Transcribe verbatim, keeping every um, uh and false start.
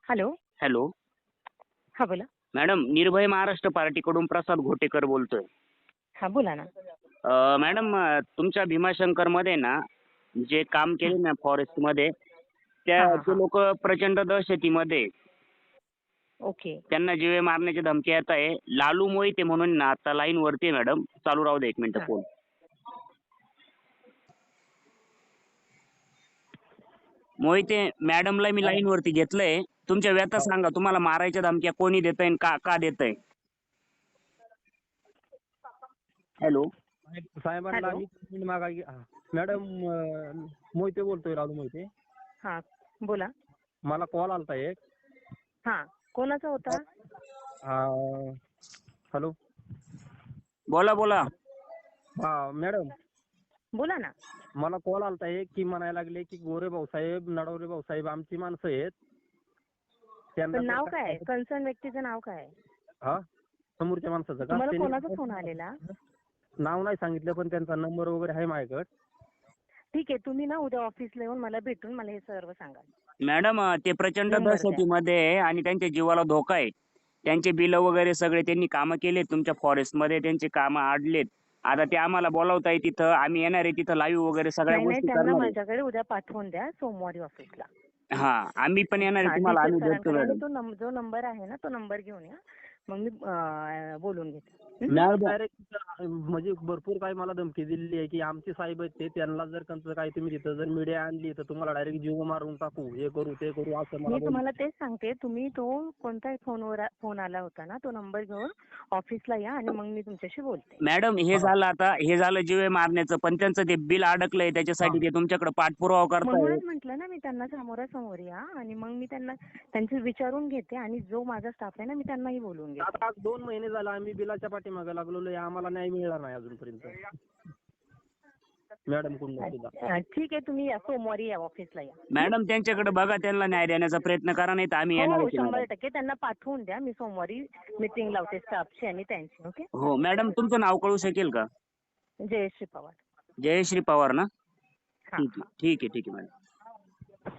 Hello. Hello. हां, बोला. Madam, निर्भय महाराष्ट्र पार्टीकडून प्रसाद घोटेकर बोलतोय. हां, बोला ना. अ, मॅडम, अ, तुमच्या भीमाशंकरमध्ये ना जे काम हं. केले ना फॉरेस्टमध्ये, त्या हां, हां, ते हां. लोक प्रचंड दहशतीमध्ये आहे. ओके. त्यांना जीवे मारण्याची धमकी येत आहे. लालू मोहिते म्हणून ना आता लाईन वरती आहे मॅडम. चालू राहू दे एक मिनिट हां. फोन. मोहिते मॅडमला मी हां. लाईन वरती घेतलंय. तुमच्या व्यथा हां. सांगा. तुम्हाला मारायच्या धमक्या कोणी देतंय आणि का का देतंय? हॅलो. साहेब साहेबांना हॅलो. आम्ही कंप्लेंट मागाय हां. मॅडम, अ, मोहिते बोलतोय, राजू मोहिते. हां, बोला. मला कॉल आलता एक. हां, कोणाचा होता? हां. हॅलो. बोला, बोला. हां, मॅडम, बोला ना. मला कॉल आलता एक की म्हणायला लागले की गोरे भाऊसाहेब, नडवरे भाऊसाहेब आमची माणसं आहेत. त्यांना पण जर नाव काय काय आहे? झालं- कन्सर्न व्यक्तीचं नाव काय आहे? हां, समोरच्या माणसाचं का? तुम्हाला त्यांनी कोणाचा फोन आलेला? नाव नाही सांगितलं, पण त्यांचा नंबर वगैरे आहे माझ्याकडे. ठीक आहे, तुम्ही ना उद्या ऑफिसला येऊन मला भेटून मला हे सर्व सांगा. मॅडम, अ, ते प्रचंड नंबर द्या. दहशतीमध्ये आहे आणि त्यांच्या जीवाला धोका आहे. त्यांचे बिलं वगैरे सगळे त्यांनी कामं केलेत तुमच्या फॉरेस्टमध्ये. त्यांची कामं अडलेत. आता ते आम्हाला बोलावताय तिथं. आम्ही येणार आहे तिथं लाईव्ह वगैरे सगळ्या नाही, नाही, गोष्टी त्यांना करणार आहे. माझ्याकडे उद्या पाठवून द्या सोमवारी ऑफिसला. हां, आम्ही पण येणार आहे हां, तुम्हाला. डिटेल आम्ही भेटतो सरांकडे आणि मॅडम. तो नंब जो नंबर आहे ना तो नंबर घेऊन या. मग मी अ, बोलून घेते. हं? मॅडम, डायरेक्ट म्हणजे भरपूर काही मला धमकी दिलेली आहे की आमचे साहेब आहेत ते, त्यांना जर कंचं काही तुम्ही तिथं जर मीडिया आणली तर तुम्हाला डायरेक्ट जीव मारून टाकू, हे करू ते करू, असं मला मी बोल. तुम्हाला तेच सांगते, तुम्ही तो कोणताही फोनवर फोन आला होता ना तो नंबर घेऊन ऑफिसला या आणि मग मी तुमच्याशी बोलते. मॅडम, हे हां, झालं आता हे झालं जीवे मारण्याचं, पण त्यांचं ते बिल अडकलंय त्याच्यासाठी हां. ते तुमच्याकडे पाठपुरावा करताय. म्हणूनच म्हटलं ना मी त्यांना समोरासमोर या आणि मग मी त्यांना त्यांचे विचारून घेते आणि जो माझा स्टाफ आहे ना मी त्यांनाही बोलवून घेते. आता आज दोन महिने झाला आम्ही बिलाच्या पाठीमागे लागलेलो आहे, आम्हाला न्याय मिळाला नाही अजूनपर्यंत. मॅडम कुंडा सुद्धा. अ, ठीक आहे, तुम्ही या सोमवारी या ऑफिसला या. मॅडम, त्यांच्याकडे बघा, त्यांना न्याय देण्याचा प्रयत्न करा, नाही तर आम्ही हो, येणार हो, आहे शंभर मॅडम. टक्के त्यांना पाठवून द्या. मी सोमवारी मीटिंग लावते स्टाफची आणि त्यांची. ओके. हो मॅडम, तुमचं नाव कळू शकेल का? जयश्री पवार. जयश्री पवार ना? हां, ठीक आहे, हां. ठीक आहे, ठीक आहे मॅडम.